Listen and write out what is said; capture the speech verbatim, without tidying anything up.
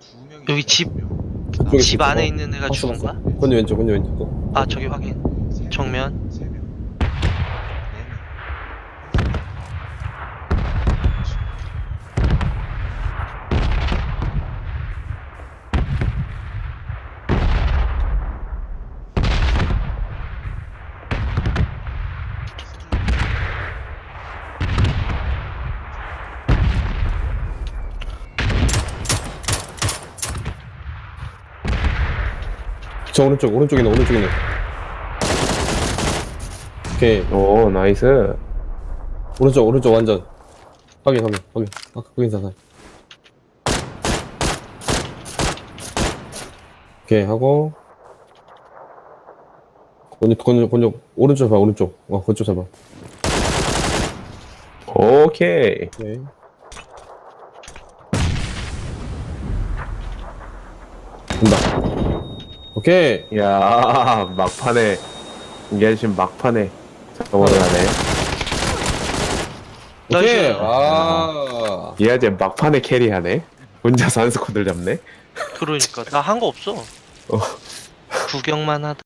여기 집, 저기 집 있어. 안에 어. 있는 애가 봤어, 죽은 봤어. 거야? 건지 왼쪽, 건지 왼쪽. 아, 저기 확인. 정면. 저 오른쪽, 오른쪽에 있네, 오른쪽에 있네. 오케이. 오, 나이스. 오른쪽, 오른쪽 완전. 확인, 확인, 확인. 아, 확인 사살. 오케이, 하고. 건조, 건조, 건조. 오른쪽 봐, 오른쪽. 어, 그쪽 잡아. 오케이. 오케이. 된다. 오케이. 야 막판에, 이게 지금 막판에 저거를 하네. 오케이. 나이스. 아. 얘 이제 막판에 캐리하네. 혼자서 한 스쿼드를 잡네. 그러니까. 나 한 거 없어. 구경만 하다.